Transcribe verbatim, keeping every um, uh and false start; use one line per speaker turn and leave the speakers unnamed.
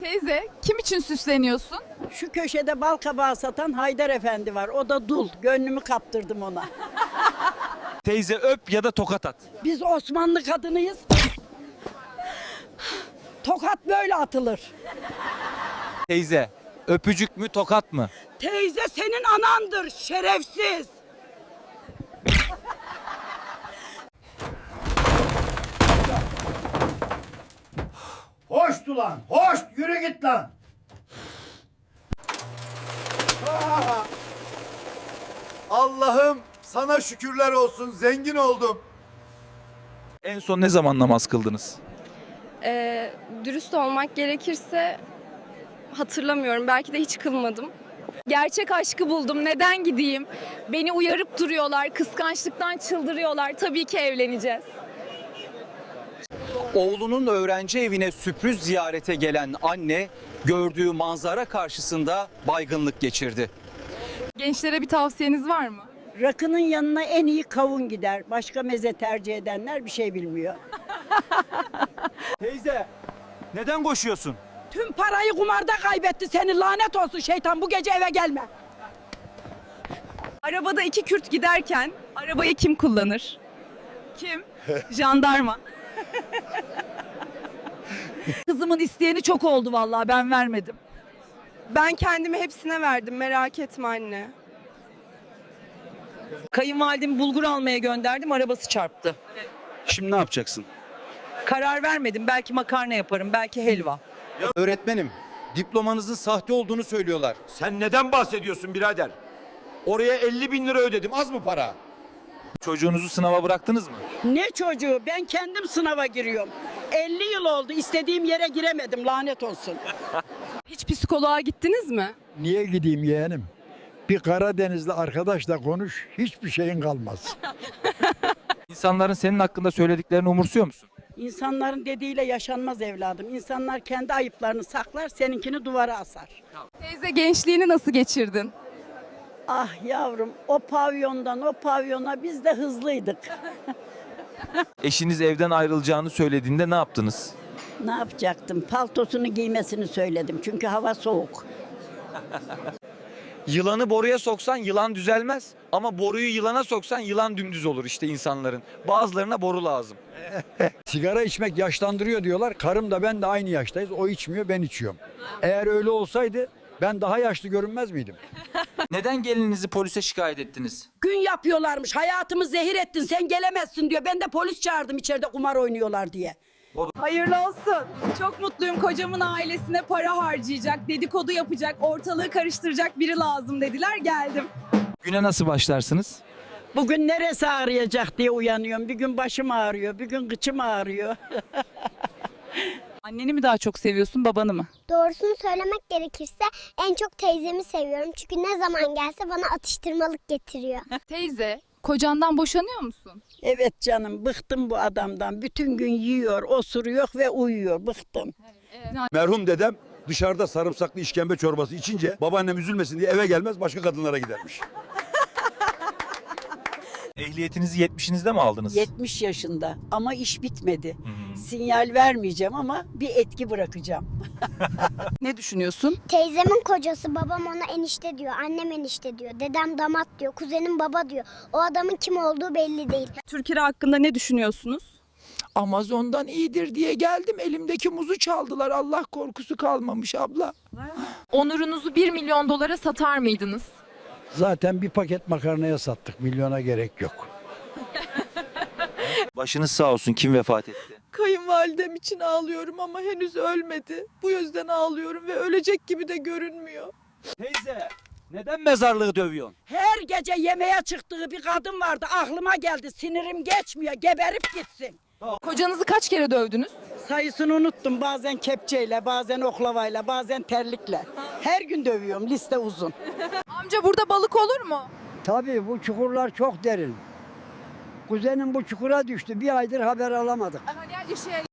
Teyze, kim için süsleniyorsun?
Şu köşede bal kabağı satan Haydar Efendi var. O da dul. Gönlümü kaptırdım ona.
Teyze öp ya da tokat at.
Biz Osmanlı kadınıyız. Tokat böyle atılır.
Teyze öpücük mü tokat mı?
Teyze senin anandır şerefsiz.
Hoştu lan, hoş, yürü git lan. Allah'ım sana şükürler olsun, zengin oldum.
En son ne zaman namaz kıldınız?
Ee, dürüst olmak gerekirse hatırlamıyorum. Belki de hiç kılmadım.
Gerçek aşkı buldum. Neden gideyim? Beni uyarıp duruyorlar. Kıskançlıktan çıldırıyorlar. Tabii ki evleneceğiz.
Oğlunun öğrenci evine sürpriz ziyarete gelen anne gördüğü manzara karşısında baygınlık geçirdi.
Gençlere bir tavsiyeniz var mı?
Rakının yanına en iyi kavun gider. Başka meze tercih edenler bir şey bilmiyor.
Teyze neden koşuyorsun?
Tüm parayı kumarda kaybetti seni, lanet olsun şeytan, bu gece eve gelme.
Arabada iki Kürt giderken arabayı kim kullanır? Kim? Jandarma.
Kızımın isteyeni çok oldu vallahi, ben vermedim.
Ben kendimi hepsine verdim. Merak etme anne.
Kayınvalidemi bulgur almaya gönderdim, arabası çarptı.
Şimdi ne yapacaksın?
Karar vermedim, belki makarna yaparım, belki helva.
Öğretmenim, diplomanızın sahte olduğunu söylüyorlar.
Sen neden bahsediyorsun birader? Oraya elli bin lira ödedim, az mı para?
Çocuğunuzu sınava bıraktınız mı?
Ne çocuğu, ben kendim sınava giriyorum. elli yıl oldu, istediğim yere giremedim, lanet olsun.
Hiç psikoloğa gittiniz mi?
Niye gideyim yeğenim? Bir Karadenizli arkadaşla konuş, hiçbir şeyin kalmaz.
İnsanların senin hakkında söylediklerini umursuyor musun?
İnsanların dediğiyle yaşanmaz evladım. İnsanlar kendi ayıplarını saklar, seninkini duvara asar.
Teyze, gençliğini nasıl geçirdin?
Ah yavrum, o pavyondan o pavyona biz de hızlıydık.
Eşiniz evden ayrılacağını söylediğinde ne yaptınız?
Ne yapacaktım? Paltosunu giymesini söyledim çünkü hava soğuk.
Yılanı boruya soksan yılan düzelmez. Ama boruyu yılana soksan yılan dümdüz olur işte insanların. Bazılarına boru lazım.
Sigara içmek yaşlandırıyor diyorlar. Karım da ben de aynı yaştayız. O içmiyor, ben içiyorum. Eğer öyle olsaydı ben daha yaşlı görünmez miydim?
Neden gelininizi polise şikayet ettiniz?
Gün yapıyorlarmış, hayatımı zehir ettin, sen gelemezsin diyor. Ben de polis çağırdım içeride kumar oynuyorlar diye.
Hayırlı olsun. Çok mutluyum. Kocamın ailesine para harcayacak, dedikodu yapacak, ortalığı karıştıracak biri lazım dediler. Geldim.
Güne nasıl başlarsınız?
Bugün neresi ağrıyacak diye uyanıyorum. Bir gün başım ağrıyor, bir gün kıçım ağrıyor.
Anneni mi daha çok seviyorsun, babanı mı?
Doğrusunu söylemek gerekirse en çok teyzemi seviyorum. Çünkü ne zaman gelse bana atıştırmalık getiriyor.
Teyze, kocandan boşanıyor musun?
Evet canım, bıktım bu adamdan. Bütün gün yiyor, osuruyor ve uyuyor. Bıktım.
Merhum dedem dışarıda sarımsaklı işkembe çorbası içince babaannem üzülmesin diye eve gelmez başka kadınlara gidermiş.
Ehliyetinizi yetmişinizde mi aldınız?
yetmiş yaşında ama iş bitmedi. Sinyal vermeyeceğim ama bir etki bırakacağım.
Ne düşünüyorsun?
Teyzemin kocası babam ona enişte diyor, annem enişte diyor, dedem damat diyor, kuzenim baba diyor. O adamın kim olduğu belli değil.
Türkiye hakkında ne düşünüyorsunuz?
Amazon'dan iyidir diye geldim. Elimdeki muzu çaldılar. Allah korkusu kalmamış abla.
Onurunuzu bir milyon dolara satar mıydınız?
Zaten bir paket makarnaya sattık. Milyona gerek yok.
Başınız sağ olsun. Kim vefat etti?
Kayınvalidem için ağlıyorum ama henüz ölmedi. Bu yüzden ağlıyorum ve ölecek gibi de görünmüyor.
Teyze neden mezarlığı dövüyorsun?
Her gece yemeğe çıktığı bir kadın vardı. Aklıma geldi. Sinirim geçmiyor. Geberip gitsin.
Kocanızı kaç kere dövdünüz?
Sayısını unuttum. Bazen kepçeyle, bazen oklavayla, bazen terlikle. Her gün dövüyorum. Liste uzun.
Amca, burada balık olur mu?
Tabii bu çukurlar çok derin. Kuzenim bu çukura düştü. Bir aydır haber alamadık.
Hani her şey